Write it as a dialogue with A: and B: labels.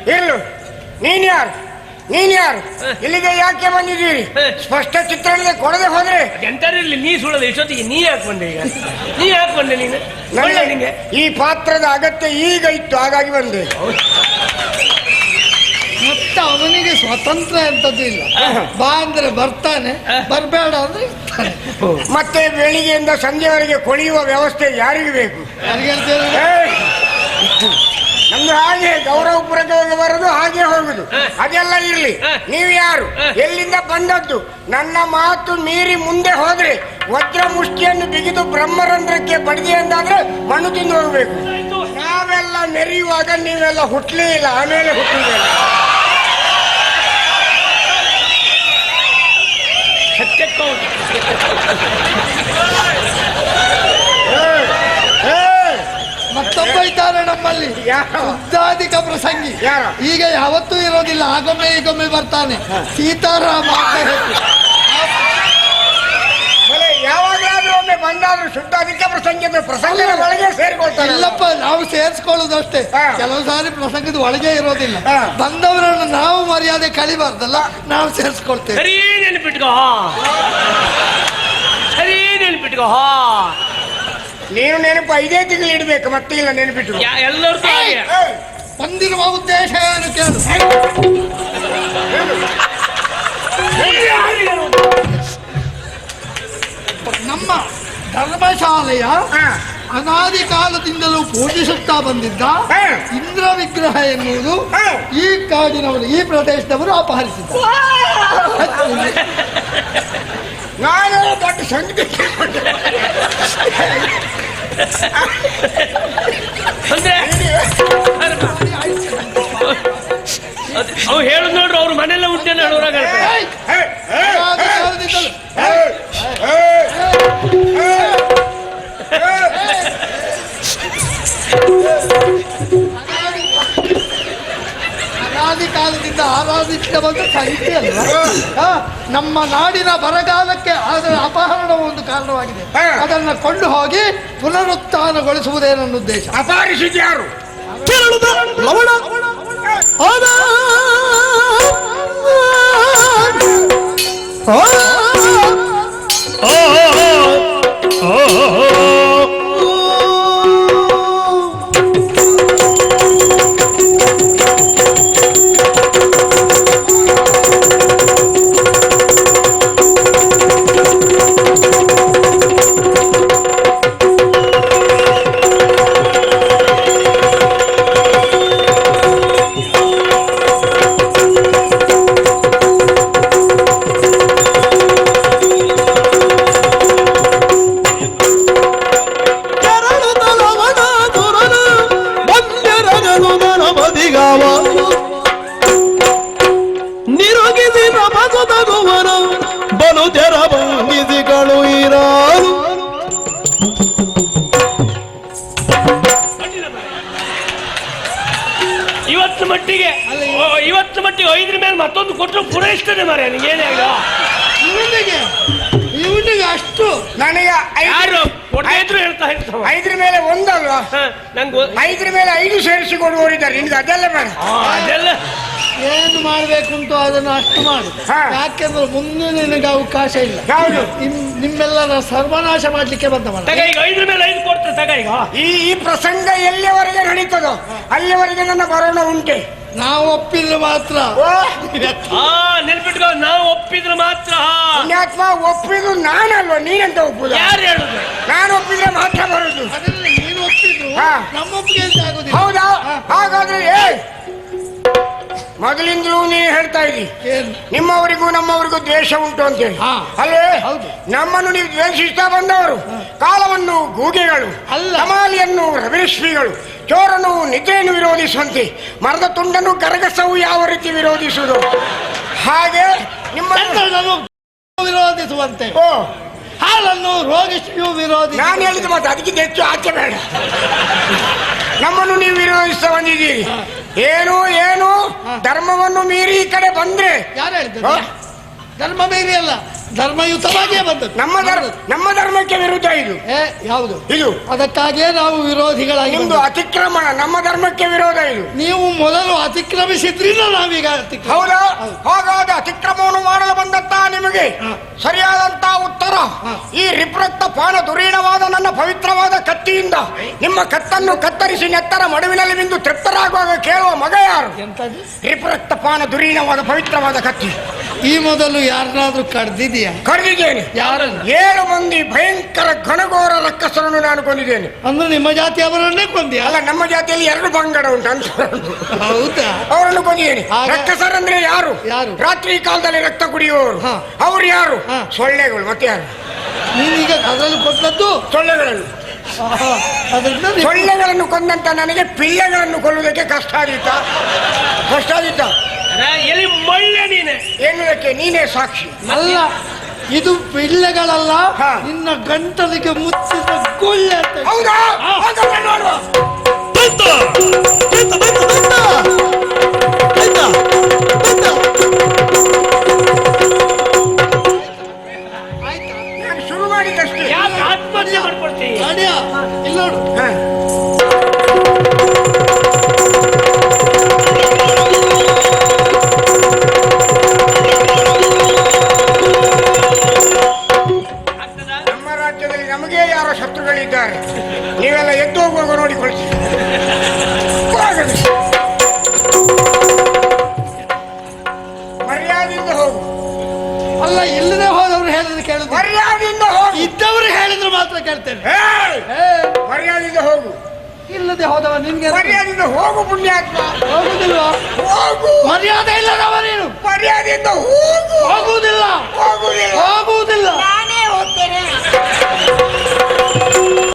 A: ಇರ್ಲು. ನೀನ್ ಯಾರು? ಇಲ್ಲಿಗೆ ಯಾಕೆ ಬಂದಿದ್ದೀರಿ? ಸ್ಪಷ್ಟ ಚಿತ್ರಣ ಕೊಡದೆ ಹೋದ್ರೆ
B: ಎಂತರಿರ್ಲಿ. ನೀ ಸುಳ್ಳದ ಇಷ್ಟೊತ್ತಿಗೆ ನೀ ಯಾಕೆ ಬಂದೆ? ಈಗ ನೀ ಯಾಕೆ ಬಂದೆ? ನೀನು
A: ನಿಂಗೆ ಈ ಪಾತ್ರದ ಅಗತ್ಯ ಈಗ ಇತ್ತು, ಹಾಗಾಗಿ ಬಂದೆ.
C: ಮತ್ತೆ ಅವನಿಗೆ ಸ್ವತಂತ್ರ ಎಂತದ್ದು ಇಲ್ಲ. ಬಾ ಅಂದ್ರೆ ಬರ್ತಾನೆ, ಬರ್ಬೇಡ ಅಂದ್ರೆ ಇರ್ತಾನೆ.
A: ಮತ್ತೆ ಬೆಳಿಗ್ಗೆಯಿಂದ ಸಂಜೆವರೆಗೆ ಕೊಳೆಯುವ ವ್ಯವಸ್ಥೆ ಯಾರಿಗೆ ಬೇಕು? ನಮ್ದು ಹಾಗೆ ಗೌರವಪೂರ್ವಕವಾಗಿ ಬರೋದು, ಹಾಗೆ ಹೋಗುದು, ಅದೆಲ್ಲ ಇರ್ಲಿ. ನೀವು ಯಾರು? ಎಲ್ಲಿಂದ ಬಂದದ್ದು? ನನ್ನ ಮಾತು ಮೀರಿ ಮುಂದೆ ಹೋದ್ರೆ ವಜ್ರ ಮುಷ್ಟಿಯನ್ನು ಬಿಗಿದು ಬ್ರಹ್ಮರಂಧ್ರಕ್ಕೆ ಬಡಿದೆ ಎಂದಾದ್ರೆ ಮಣ್ಣು ತಿಂದು ಹೋಗ್ಬೇಕು. ನಾವೆಲ್ಲ ಮೆರೆಯುವಾಗ ನೀವೆಲ್ಲ ಹುಟ್ಟಲೇ ಇಲ್ಲ, ಆಮೇಲೆ ಹುಟ್ಟಿದೆ.
C: ಮತ್ತೊಬ್ಬ ಇದ್ದಾರೆ ನಮ್ಮಲ್ಲಿ, ಉದ್ದಾಧಿಕ ಪ್ರಸಂಗಿ. ಈಗ ಯಾವತ್ತೂ ಇರೋದಿಲ್ಲ, ಆಗೊಮ್ಮೆ ಈಗೊಮ್ಮೆ ಬರ್ತಾನೆ. ಸೀತಾರಾಮ
A: ಯಾವಾಗಲಾದ್ರೂ ಒಮ್ಮೆ ಬಂದಾದ್ರೂ ಶುದ್ಧಾಧಿಕ ಪ್ರಸಂಗದ ಪ್ರಸಂಗದ ಒಳಗೆ ಸೇರಿಕೊಳ್ತಾರೆ.
C: ಇಲ್ಲಪ್ಪ, ನಾವು ಸೇರಿಸ್ಕೊಳ್ಳೋದು ಅಷ್ಟೇ. ಕೆಲವು ಸಾರಿ ಪ್ರಸಂಗದ ಒಳಗೆ ಇರೋದಿಲ್ಲ. ಬಂದವರನ್ನು ನಾವು ಮರ್ಯಾದೆ ಕಳಿಬಾರ್ದಲ್ಲ, ನಾವು ಸೇರಿಸ್ಕೊಳ್ತೇವೆ.
B: ಸರಿ ನೆನಪಿಟ್ಕೋ.
A: ನೀನು ನೆನಪು 5 ತಿಂಗಳು ಇಡ್ಬೇಕು, ಮತ್ತೆ ಇಲ್ಲ ನೆನಪಿಟ್ಟು.
B: ಎಲ್ಲರೂ
C: ಬಂದಿರುವ ಉದ್ದೇಶ ಏನು ಕೇಳು. ನಮ್ಮ ಧರ್ಮಶಾಲೆಯ ಅನಾದಿ ಕಾಲದಿಂದಲೂ ಪೂಜಿಸುತ್ತಾ ಬಂದಿದ್ದ ಇಂದ್ರ ವಿಗ್ರಹ ಎನ್ನುವುದು ಈ ಕಾಡಿನವರು, ಈ ಪ್ರದೇಶದವರು ಅಪಹರಿಸಿದ್ದಾರೆ.
A: ನಾನು ದೊಡ್ಡ ಸಂಗತಿ
B: ಅವ್ ಹೇಳುದು ನೋಡ್ರಿ, ಅವ್ರ ಮನೆಯಲ್ಲ ಹುಟ್ಟೇನ ಹೇಳೋರಾಗ
C: ಅನಾದಿ ಕಾಲದಿಂದ ಆರಾಧಿಸಿದ ಬಂದ ಸಾಹಿತ್ಯ ಅಲ್ವಾ? ನಮ್ಮ ನಾಡಿನ ಬರಗಾಲಕ್ಕೆ ಅದರ ಅಪಹರಣ ಒಂದು ಕಾರಣವಾಗಿದೆ. ಅದನ್ನು ಕೊಂಡು ಹೋಗಿ ಪುನರುತ್ಥಾನಗೊಳಿಸುವುದೇ ನನ್ನ ಉದ್ದೇಶ.
A: ಅಪಹರಿಸಿದ್ಯಾರು?
C: ಲವಣ
B: ಇವತ್ತು ಮಟ್ಟಿಗೆ 5ರ ಮೇಲೆ ಮತ್ತೊಂದು ಕೊಟ್ಟರು ಪೂರೈಸ್ತದೆ ಮಾರ್ರೆ. ಏನೇ
C: ಇವನಿಗೆ ಅಷ್ಟು
B: ನನಗೆ ಯಾರು ಕೊಟ್ಟಿದ್ರು ಹೇಳ್ತಾ ಇರ್ತಾವ.
A: 5ರ ಮೇಲೆ ಒಂದಲ್ವಾ?
B: ನಂಗೆ
A: 5ರ ಮೇಲೆ 5 ಸೇರಿಸಿ ಕೊಡುವವರಿದ್ದಾರೆ. ನಿನ್ಗೆ ಅದೆಲ್ಲ ಬೇಡ.
C: ಅದೆಲ್ಲ ಏನು ಮಾಡ್ಬೇಕು ಅಂತ ಅದನ್ನು ಅಷ್ಟು ಮಾಡು. ಯಾಕೆಂದ್ರೆ ಮುಂದೆ ನಿನಗೆ ಅವಕಾಶ ಇಲ್ಲ.
A: ಯಾವುದು?
C: ನಿಮ್ಮೆಲ್ಲರ ಸರ್ವನಾಶ ಮಾಡ್ಲಿಕ್ಕೆ ಬಂದವಲ್ಲ.
B: ಈಗ 5ರ ಮೇಲೆ 5 ಕೊಡ್ತೇವೆ ತಗ. ಈಗ
A: ಈ ಪ್ರಸಂಗ ಎಲ್ಲಿವರೆಗೆ ನಡೀತದೋ ಅಲ್ಲಿವರೆಗೆ ನನ್ನ ಬರೋಣ ಉಂಟೆ.
C: ನಾವು ಒಪ್ಪಿದ್ರೆ ಮಾತ್ರ.
B: ನೆನ್ಪಿಟ್ಕೋ, ನಾವು ಒಪ್ಪಿದ್ರೆ ಮಾತ್ರ.
A: ಪುಣ್ಯಾತ್ಮ, ಒಪ್ಪಿದ್ರು ನಾನಲ್ವ, ನೀನಂತ ಒಪ್ಪುದು?
B: ಯಾರು ಹೇಳುದು?
A: ನಾನು ಒಪ್ಪಿದ್ರೆ ಮಾತ್ರ ಬರುದು.
C: ನೀನು ಒಪ್ಪಿದ್ರು ನಮ್ಮ ಒಪ್ಪಿಗೆ ಅಂತ ಆಗುದಿಲ್ಲ.
A: ಹೌದಾ? ಹಾಗಾದ್ರೆ ಮೊದಲಿಂದಲೂ ನೀನು ಹೇಳ್ತಾ ಇದ್ದಿ ನಿಮ್ಮವರಿಗೂ ನಮ್ಮವರಿಗೂ ದ್ವೇಷ ಉಂಟು ಅಂತೇಳಿ, ಅಲ್ಲೇ? ನಮ್ಮನ್ನು ನೀವು ದ್ವೇಷಿಸ್ತಾ ಬಂದವರು ಕಾಲವನ್ನು ಗೂಗೆಗಳು, ಕಮಾಲಿಯನ್ನು ರವಿರಶ್ಮಿಗಳು, ಚೋರನು ನಿದ್ರೆಯನ್ನು ವಿರೋಧಿಸುವಂತೆ, ಮರದ ತುಂಡನ್ನು ಗರಗಸವು ಯಾವ ರೀತಿ ವಿರೋಧಿಸುವುದು ಹಾಗೆ ನಿಮ್ಮ
C: ವಿರೋಧಿಸುವಂತೆ, ಹಾಲನ್ನು ರೋಗಿಸಿಯೂ ವಿರೋಧಿ.
A: ನಾನು ಹೇಳಿದ ಮತ್ತೆ ಅದಕ್ಕಿಂತ ಹೆಚ್ಚು ಆಚೆ ಬೇಡ. ನಮ್ಮನ್ನು ನೀವು ವಿರೋಧಿಸ್ತಾ ಬಂದಿದ್ದೀರಿ. ಏನು ಧರ್ಮವನ್ನು ಮೀರಿ ಈ ಕಡೆ ಬಂದ್ರೆ.
C: ಯಾರು ಹೇಳಿದ್ರು ಧರ್ಮ ಮೀರಿ ಅಲ್ಲ, ಧರ್ಮಯುತವಾಗಿಯೇ ಬಂದದ್ದು.
A: ನಮ್ಮ ಧರ್ಮಕ್ಕೆ ವಿರುದ್ಧ ಇದು.
C: ಯಾವುದು
A: ಇದು?
C: ಅದಕ್ಕಾಗಿಯೇ ನಾವು ವಿರೋಧಿಗಳಾಗಿ.
A: ನಿಮ್ದು ಅತಿಕ್ರಮಣ, ನಮ್ಮ ಧರ್ಮಕ್ಕೆ ವಿರೋಧ ಇದು.
C: ನೀವು ಮೊದಲು ಅತಿಕ್ರಮಿಸಿದ್ರಿಂದ ನಾವೀಗ
A: ಹೌದಾ? ಹಾಗಾದ ಅತಿಕ್ರಮವನ್ನು ಮಾಡಲು ಬಂದಂತ ನಿಮಗೆ ಸರಿಯಾದಂತ ಉತ್ತರ ಈ ರಿಪ್ರಕ್ತ ಪಾನ ದುರೀಣವಾದ ನನ್ನ ಪವಿತ್ರವಾದ ಕತ್ತಿಯಿಂದ ನಿಮ್ಮ ಕತ್ತನ್ನು ಕತ್ತರಿಸಿ ನೆತ್ತರ ಮಡುವಿನಲ್ಲಿ ಬಿಂದು ತೃಪ್ತರಾಗುವಾಗ ಕೇಳುವ ಮಗ ಯಾರು? ರಿಪ್ರಕ್ತ ಪಾನ ದುರೀಣವಾದ ಪವಿತ್ರವಾದ ಕತ್ತಿ.
C: ಈ ಮೊದಲು ಯಾರನ್ನಾದ್ರೂ ಕಡ್ದಿದೆಯಾ?
A: ಕಡ್ದಿದ್ದೇನೆ.
C: ಯಾರನ್ನು?
A: 7 ಮಂದಿ ಭಯಂಕರ ಘನಘೋರ ರಕ್ಕಸರನ್ನು ನಾನು ಕೊಂದಿದ್ದೇನೆ.
C: ಅಂದ್ರೆ ನಿಮ್ಮ ಜಾತಿಯವರನ್ನೇ ಕೊಂದಿ?
A: ಅಲ್ಲ, ನಮ್ಮ ಜಾತಿಯಲ್ಲಿ 2 ಪಂಗಡ ಉಂಟು ಅಂತ.
C: ಹೌದಾ?
A: ಅವರನ್ನು ಕೊಂದಿದ್ದೇನೆ. ರಕ್ಕಸರಂದ್ರೆ ಯಾರು? ರಾತ್ರಿ ಕಾಲದಲ್ಲಿ ರಕ್ತ ಕುಡಿಯುವವರು. ಅವ್ರು ಯಾರು? ಸೊಳ್ಳೆಗಳು. ಮತ್ತೆ ಯಾರು?
C: ನೀನೀಗ ಅದರಲ್ಲಿ ಕೊಟ್ಟದ್ದು
A: ಸೊಳ್ಳೆಗಳನ್ನು. ಸೊಳ್ಳೆಗಳನ್ನು ಕೊಂದಂತ ನನಗೆ ಪಿಳ್ಳೆಗಳನ್ನು ಕೊಲ್ಲುವುದಕ್ಕೆ ಕಷ್ಟ ಆದಿತ್ತ?
B: ಎಲ್ಲಿ ಮಳ್ಳೆ ನೀನೆ
A: ಎನ್ನುವುದಕ್ಕೆ ನೀನೇ ಸಾಕ್ಷಿ.
C: ಅಲ್ಲ, ಇದು ಪಿಳ್ಳೆಗಳಲ್ಲ, ನಿನ್ನ ಗಂಟಲಿಗೆ ಮುಚ್ಚಿದ ಗುಳ್ಳೆ ಅಂತ.
A: ಹೌದಾ? ನೋಡುವ. ನಾನು ಶುರು ಮಾಡಿದಷ್ಟೇ.
B: ಯಾಕೆ ಆತ್ಮಹತ್ಯೆ ಮಾಡ್ಕೊಳ್ತೀವಿ?
C: ಇಲ್ಲಿ ನೋಡು.
A: ನಮ್ಮ ರಾಜ್ಯದಲ್ಲಿ ನಮಗೆ ಯಾರೋ ಶತ್ರುಗಳಿದ್ದಾರೆ. ನೀವೆಲ್ಲ ಎದ್ದು ಹೋಗುವಾಗ ನೋಡಿಕೊಳ್ತೀವಿ. ಮರ್ಯಾದೆಯಿಂದ ಹೋಗು.
C: ಅಲ್ಲ, ಇಲ್ಲದೆ ಹೋದವ್ರು ಹೇಳಿದ್ರೆ ಕೇಳಿದ್ರು.
A: ಮರ್ಯಾದೆಯಿಂದ ಹೋಗು.
C: ಇದ್ದವ್ರು ಹೇಳಿದ್ರು ಮಾತ್ರ ಕೇಳ್ತೇನೆ.
A: ಮರ್ಯಾದೆಯಿಂದ ಹೋಗು.
C: ಇಲ್ಲದೆ ಹೋದವ ನಿನ್ಗೆ
A: ಮರ್ಯಾದೆಯಿಂದ ಹೋಗು. ಪುಣ್ಯಾತ್ಮ
C: ಹೋಗುದಿಲ್ವಾ?
A: ಹೋಗು.
C: ಮರ್ಯಾದೆ ಇಲ್ಲದವ ನೀನು.
A: ಮರ್ಯಾದೆಯಿಂದ ಹೋಗು.
C: ಹೋಗುವುದಿಲ್ಲ.
A: ಹೋಗುವುದಿಲ್ಲ.
C: ಹೋಗುವುದಿಲ್ಲ.
A: ನಾನೇ ಹೋಗ್ತೇನೆ.